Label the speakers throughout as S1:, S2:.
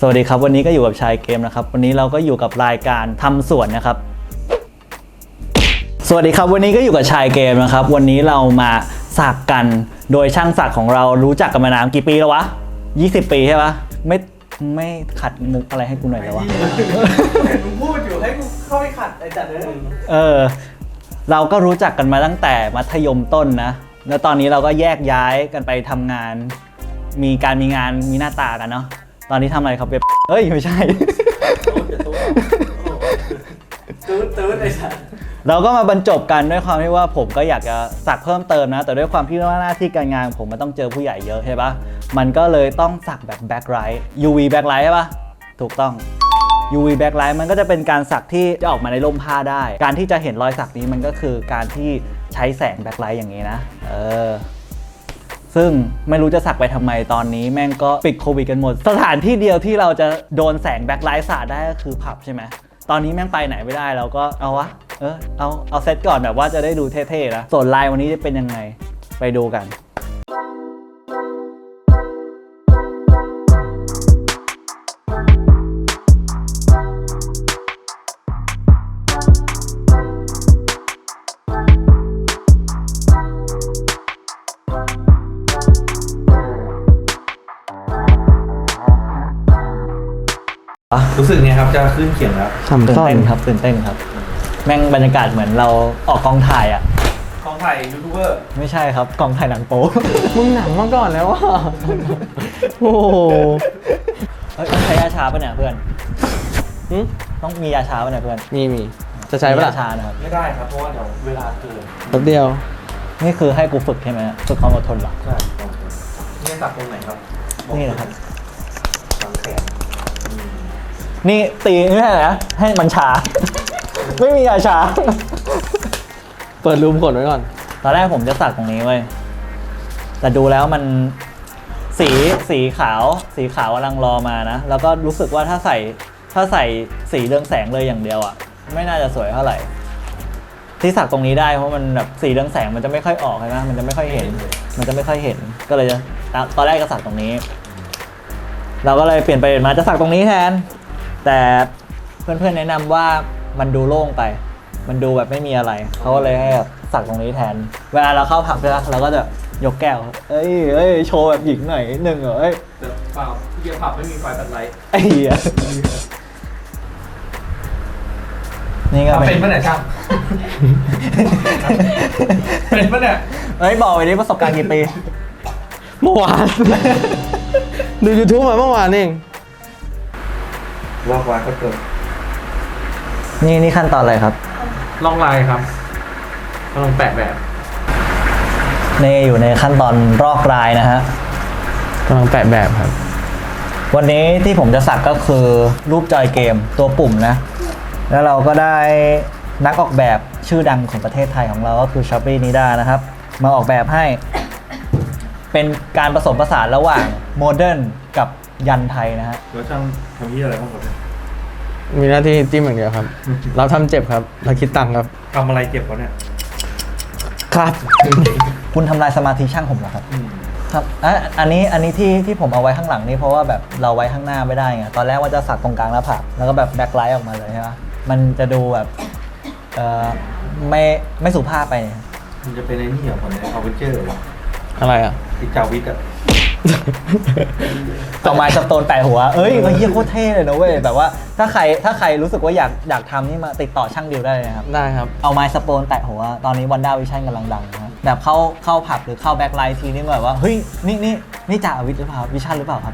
S1: สวัสดีครับวันนี้ก็อยู่กับชายเกมนะครับวันนี้เราก็อยู่กับรายการทำสวนนะครับสวัสดีครับวันนี้ก็อยู่กับชายเกมนะครับวันนี้เรามาสักกันโดยช่างสักของเรารู้จักกันมานานกี่ปีแล้ววะ20 ปีใช่ปะไม่ขัดมุกอะไรให้กูหน่อยเลยวะ
S2: มึงพูดอยู่ให้กูเข้าไปขัดไอ้จัดเลย
S1: เราก็รู้จักกันมาตั้งแต่มัธยมต้นนะแล้วตอนนี้เราก็แยกย้ายกันไปทำงานมีงานมีหน้าตากันเนาะตอนนี้ทำอะไรครับเฮ้ยไม่ใช่
S2: ตื้อไอ้สัส
S1: เราก็มาบรรจบกันด้วยความที่ว่าผมก็อยากจะสักเพิ่มเติมนะแต่ด้วยความที่ว่าหน้าที่การงานผมมันต้องเจอผู้ใหญ่เยอะใช่ปะมันก็เลยต้องสักแบบแบ็คไลท์ UV แบ็คไลท์ใช่ปะถูกต้อง UV แบ็คไลท์มันก็จะเป็นการสักที่จะออกมาในร่มผ้าได้การที่จะเห็นรอยสักนี้มันก็คือการที่ใช้แสงแบ็คไลท์อย่างนี้นะซึ่งไม่รู้จะสักไปทำไมตอนนี้แม่งก็ปิดโควิดกันหมดสถานที่เดียวที่เราจะโดนแสงแบ็คไลท์สาดได้ก็คือผับใช่ไหมตอนนี้แม่งไปไหนไม่ได้เราก็เอาวะเอาเซตก่อนแบบว่าจะได้ดูเท่ๆนะส่วนลายวันนี้จะเป็นยังไงไปดูกัน
S2: รู้สึกไงครับจะขึ้นเขียงแล้ว
S1: ตื่นเต้นครับแม่งบรรยากาศเหมือนเราออกกองถ่ายอะ
S2: กองถ่ายยูทูบเบอร์
S1: ไม่ใช่ครับกองถ่ายหนังโป๊
S3: มึงหนังมาก่อนแล้วว่ะโอ้โห
S1: ต้องใช้ยาชาป่ะเนี่ยเพื่อนต้องมียาชาป่ะเนี่ยเพื่อน
S3: มีจะใช้ป่ะ
S1: ยาชานะครับ
S2: ไม่ได้ครับเพราะว่าเดี๋ยวเวลาเกิน
S3: แป๊บเดียว
S1: นี่คือให้กูฝึกใช่ไหมฝึกความอดทนเหรอ
S2: ใช่นี่สักตรงไหนครับ
S1: นี่นะครับ
S2: หลังแขน
S1: นี่ตีนี่แหละให้มันชา ไม่มียาชา
S3: เปิดรูมกดไว้ก่อน
S1: ตอนแรกผมจะสักตรงนี้เว้ยแต่ดูแล้วมันสีขาวกำลังรอมานะแล้วก็รู้สึกว่าถ้าใส่สีเรืองแสงเลยอย่างเดียวอ่ะไม่น่าจะสวยเท่าไหร่ที่สักตรงนี้ได้เพราะมันแบบสีเรืองแสงมันจะไม่ค่อยออกใช่ไหมมันจะไม่ค่อยเห็นก็เลยจะตอนแรกก็สักตรงนี้เราก็เลยเปลี่ยนไปมาจะสักตรงนี้แทนแต่เพื่อนๆแนะนำว่ามันดูโล่งไปมันดูแบบไม่มีอะไรเขาก็เลยให้แบบสักตรงนี้แทนเวลาเราเข้าผับใช่ไหมเราก็จะยกแก้วเอ้ยโชว์แบบหญิงหน่อยหนึ่งเหรอเ
S2: ปล่าที่ผับไม่มีไฟตัดไลท์
S1: ไอ้เหี้ยนี่ก็
S2: เป็นปะเนี่ยช่างเป็นปะเนี่ย
S1: บอกไปดิประสบการณ์กี่ปี
S3: เมื่อวานดู YouTube มาเมื่อวานเอง
S2: ลอกลายก็เกิด
S1: นี่ขั้นตอนอะไรครับ
S2: ลอกลายครับกำลังแปะแบบ
S1: นี่อยู่ในขั้นตอนรอกลายนะฮะ
S3: กำลังแปะแบบครับ
S1: วันนี้ที่ผมจะสักก็คือรูปจอยเกมตัวปุ่มนะแล้วเราก็ได้นักออกแบบชื่อดังของประเทศไทยของเราก็คือชอปปี้นิด้านะครับมาออกแบบให้เป็นการผสมผสานระหว่างโมเดิร์นกับยันไทยนะฮะ
S2: แล้วช่างทำยี่อะไรบ้างครับ
S3: มีหน้าที่จิ้มอย่างเดียวครับเราทำเจ็บครับเราคิดตังค์ครับ
S2: ทำอะไรเจ็บวะเนี่ย
S3: ครับ
S1: คุณทำลายสมาธิช่างผมเหรอครับครับอันนี้ที่ผมเอาไว้ข้างหลังนี่เพราะว่าแบบเราไว้ข้างหน้าไม่ได้ไงตอนแรกว่าจะสักตรงกลางแล้วผักแล้วก็แบบแบ็คไลท์ออกมาเลยใช่ไหมมันจะดูแบบไม่สุภาพไป
S2: มันจะเป็นไอ้นี่เหรอคนเนี่ยเอาไปเจอ
S3: อะไรอ่ะ
S2: ติจาวิกอะ
S1: ต่อมาสโตนแปะหัวเฮ้ยเฮียโคตรเท่เลยนะเว้ยแบบว่าถ้าใครรู้สึกว่าอยากทำนี่มาติดต่อช่างดิวได้เลยนะครับ
S3: ได้ครับ
S1: เอาไม้สโตนแปะหัวตอนนี้วันด้าวิชั่นกำลังดังนะแบบเข้าผับหรือเข้าแบ็คไลท์ทีนี่แบบว่าเฮ้ยนี่จ่าวิทย์หรือเปล่าวิชั่นหรือเปล่าครับ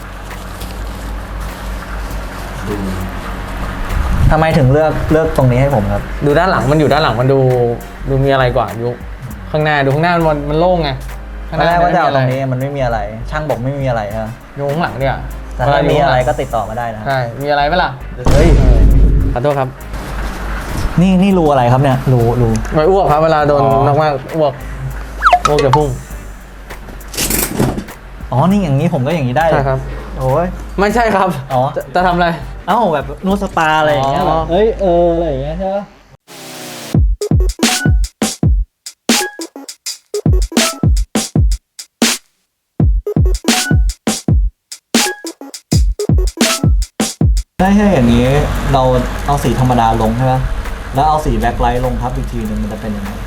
S1: ทำไมถึงเลือกตรงนี้ให้ผมครับ
S3: ดูด้านหลังมันอยู่ด้านหลังมันดูมีอะไรกว่ายุข้างหน้าดูข้างหน้ามันโล่งไง
S1: ตอนแรกว่าจะเอาตรงนี้มันไม่มีอะไรช่างบอกไม่มีอะไรฮะ
S3: ดูข้างหลังเนี่ย
S1: แต่ถ้ามีอะไรก็ติดต่อมาได้นะ
S3: ใช่มีอะไรไหมล่ะ
S1: เฮ้ย
S3: ขอโทษครับ
S1: นี่รูอะไรครับเนี่ยรู
S3: ไม่อ้วกครับเวลาโดนมากอ้วกจะพุ่ง
S1: นี่อย่างนี้ผมก็อย่างนี้ได้
S3: ใช่ครับ
S1: โอ้ย
S3: ไม่ใช่ครับจะทำอะไร
S1: แบบนวดสปาอะไรอย่างเงี้ยแบบอะไรอย่างเงี้ยใช่ไหมได้ใช่อย่างนี้เราเอาสีธรรมดาลงใช่ไหมแล้วเอาสีแบ็คไลท์ลงทับอีกทีหนึ่งมันจะเป็นยังไง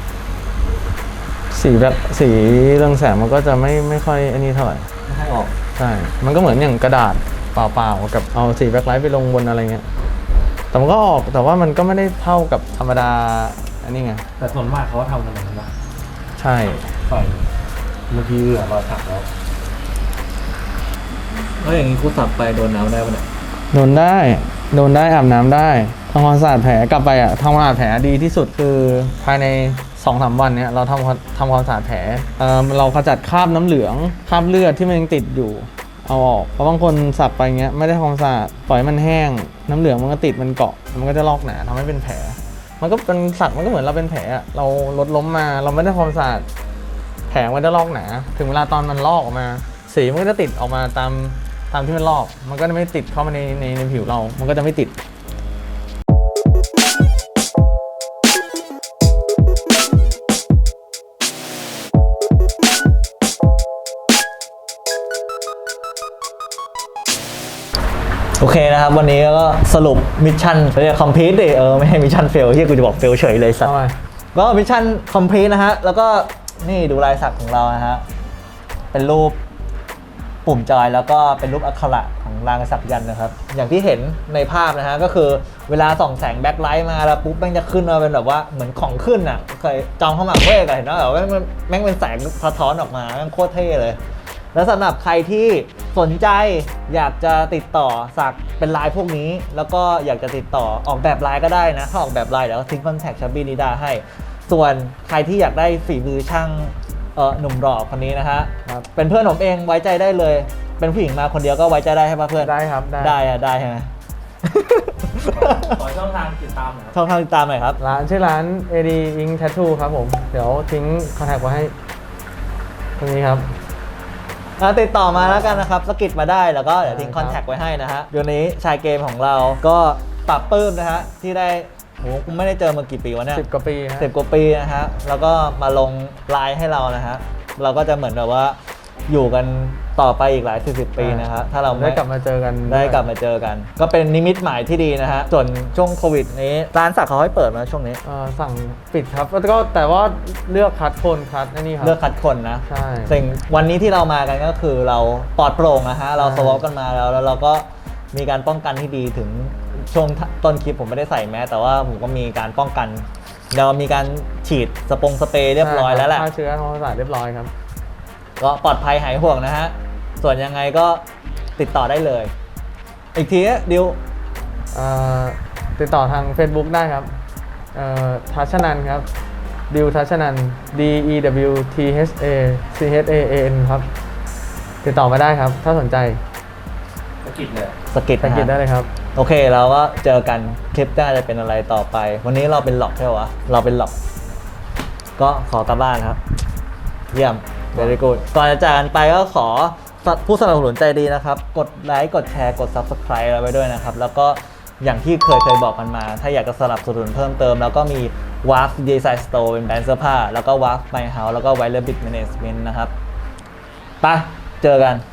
S3: สีเรืองแสงมันก็จะไม่ค่อยอันนี้เท่าไหร่
S1: ไม่ให้ออก
S3: ใช่ มันก็เหมือนอย่างกระดาษเปล่าๆกับเอาสีแบ็คไลท์ไปลงบนอะไรเงี้ยแต่มันก็ออกแต่ว่ามันก็ไม่ได้เท่ากับธรรมดาอันนี้ไง
S4: แต่ส่วนมากเขาทำกันอย่างนั้นนะ
S3: ใช่
S4: ใส่บางทีเหลือรอยสักแล้ว
S1: แล้วอย่างนี้กูสับไปโดนน้ำได้ปะเนี่ย
S3: โดนได้อาบน้ำได้ทำความสะอาดแผลกลับไปอ่ะทำความสะอาดแผลดีที่สุดคือภายใน 2-3 วันเนี้ยเราทำความสะอาดแผลเราขจัดคราบน้ำเหลืองคราบเลือดที่มันยังติดอยู่เอาออกเพราะบางคนสักไปเงี้ยไม่ได้ทำความสะอาดปล่อยให้มันแห้งน้ำเหลืองมันก็ติดมันเกาะมันก็จะลอกหนาทำให้เป็นแผลมันก็เป็นสักมันก็เหมือนเราเป็นแผลอะเราลดล้มมาเราไม่ได้ทำความสะอาดแผลมันจะลอกหนาถึงเวลาตอนมันลอกออกมาสีมันก็จะติดออกมาตามที่มันลอกมันก็จะไม่ติดเข้ามาในผิวเรามันก็จะไม่ติด
S1: โอเคนะครับวันนี้ก็สรุปมิชชั่นเรียกคอมพลีทดิไม่ให้มิชชั่นเฟลที่กูจะบอกเฟลเฉยเลยสัตว์ก็มิชชั่นคอมพลีทนะฮะแล้วก็นี่ดูลายสักของเรานะฮะเป็นรูปปุ่มจอยแล้วก็เป็นรูปอักขระของรางสักยันต์นะครับอย่างที่เห็นในภาพนะฮะก็คือเวลาส่องแสงแบ็คไลท์มาแล้วปุ๊บแม่งจะขึ้นมาเป็นแบบว่าเหมือนของขึ้นอ่ะเคยจองเข้ามาเว้ยกันเห็นไหมแบบแม่งเป็นแสงสะท้อนออกมาแม่งโคตรเท่เลยแล้วสำหรับใครที่สนใจอยากจะติดต่อสักเป็นลายพวกนี้แล้วก็อยากจะติดต่อออกแบบลายก็ได้นะถ้าออกแบบลายเดี๋ยวทิ้งคอนแทคชับบี้นิดาให้ส่วนใครที่อยากได้ฝีมือช่างหนุ่มหล่อคนนี้นะฮะเป็นเพื่อนผมเองไว้ใจได้เลยเป็นผู้หญิงมาคนเดียวก็ไว้ใจได้ใช่ปะเพื่อน
S3: ได้ครับ
S1: ได้ได้ใช่ไหม
S4: ขอช่องทางติดตามหน่อยครับ
S1: ช่องทางติดตามหน่อยครับ
S3: ร้านชื่อร้าน AD Ink Tattoo ครับผมเดี๋ยวทิ้งคอนแทคไว้ให้ตรงนี้ครับ
S1: ติดต่อมาแล้วกันนะครับสกิดมาได้แล้วก็เดี๋ยวทิ้งคอนแทคไว้ให้นะฮะเดี๋ยวนี้ชายเกมของเราก็ปรับปลื้มนะฮะที่ได้โหกูไม่ได้เจอมากี่ปีวะเนี่ย
S3: 10 กว่าปีฮะ
S1: 10 กว่าปีนะฮะแล้วก็มาลงไลน์ให้เรานะฮะเราก็จะเหมือนแบบว่าอยู่กันต่อไปอีกหลาย10 ปีนะครับถ้าเรา
S3: ได้กลับมาเจอกัน
S1: ได้กลับมาเจอกัน ก็เป็นนิมิตหมายที่ดีนะฮะส่วนช่วงโควิดนี้ร้านสักเขาให้เปิดมาช่วงนี้
S3: สั่งปิดครับแล้วก็แต่ว่าเลือกคัดคนคัดอันนี้ครับ
S1: เลือกคัดคนนะ
S3: ใช่
S1: สิ่งวันนี้ที่เรามากันก็คือเราปลอดโปร่งนะฮะเราสวอปกันมาแล้วเราก็มีการป้องกันที่ดีถึงช่วงต้นคลิปผมไม่ได้ใส่แมสแต่ว่าผมก็มีการป้องกันเรามีการฉีดสเปรย์เรียบร้อยแล้วแหละ
S3: ฆ่าเชื้อทำความสะอาดเรียบร้อยครับ
S1: ก็ปลอดภัยหายห่วงนะฮะส่วนยังไงก็ติดต่อได้เลย อีกทีดิว
S3: ติดต่อทาง Facebook ได้ครับทัชนันครับดิวทัชนัน DEWTHACHAAN ครับติดต่อมาได้ครับถ้าสนใจ
S4: สกิดเลย
S1: สกิด
S3: สังเกตได้เลยครับ
S1: โอเคเราก็เจอกันคลิปหน้าจะเป็นอะไรต่อไป วันนี้เราเป็นหลอกใช่ไหมวะเราเป็นหลอกก็ขอกลับบ้านครับ เยี่ยม very good ก่อนจะจากกันไปก็ขอผู้สนับสนุนใจดีนะครับกดไลค์กดแชร์กด subscribe เราไว้ด้วยนะครับแล้วก็อย่างที่เคยบอกกันมา ถ้าอยากจะสนับสนุนเพิ่มเติมแล้วก็มี WAF Design Store เป็นแบรนด์เสื้อผ้าแล้วก็ WAF My House แล้วก็ Wireless Bit Management นะครับไปเจอกัน